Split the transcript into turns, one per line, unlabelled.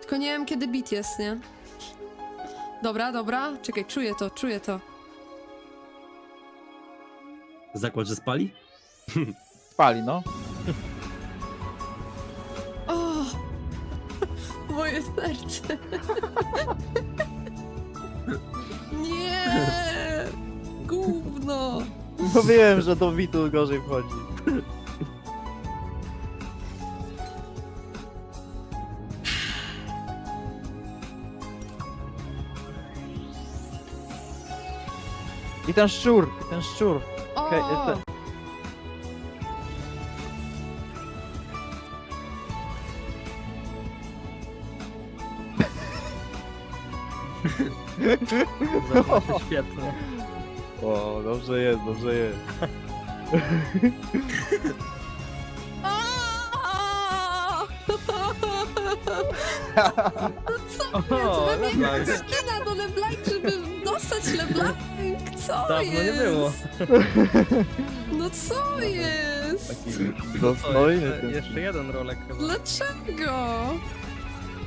Tylko nie wiem, kiedy bit jest, nie? Dobra, dobra. Czekaj, czuję to, czuję to.
Zakład, że spali?
Spali, no.
O! Moje serce. Nie! Gówno!
No wiem, że do bitu gorzej wchodzi. I ten szczur, i ten szczur.
O!
Okej, jestem.
Zobaczcie, świetnie.
O, dobrze jest, dobrze jest.
O!
O,
Wymieniam skina do LeBlanc, żeby dostać LeBlanc. Co
dawno nie
jest?
było.
No co jest?
Dostojny ten.
Jeszcze jeden rolek chyba.
Dlaczego?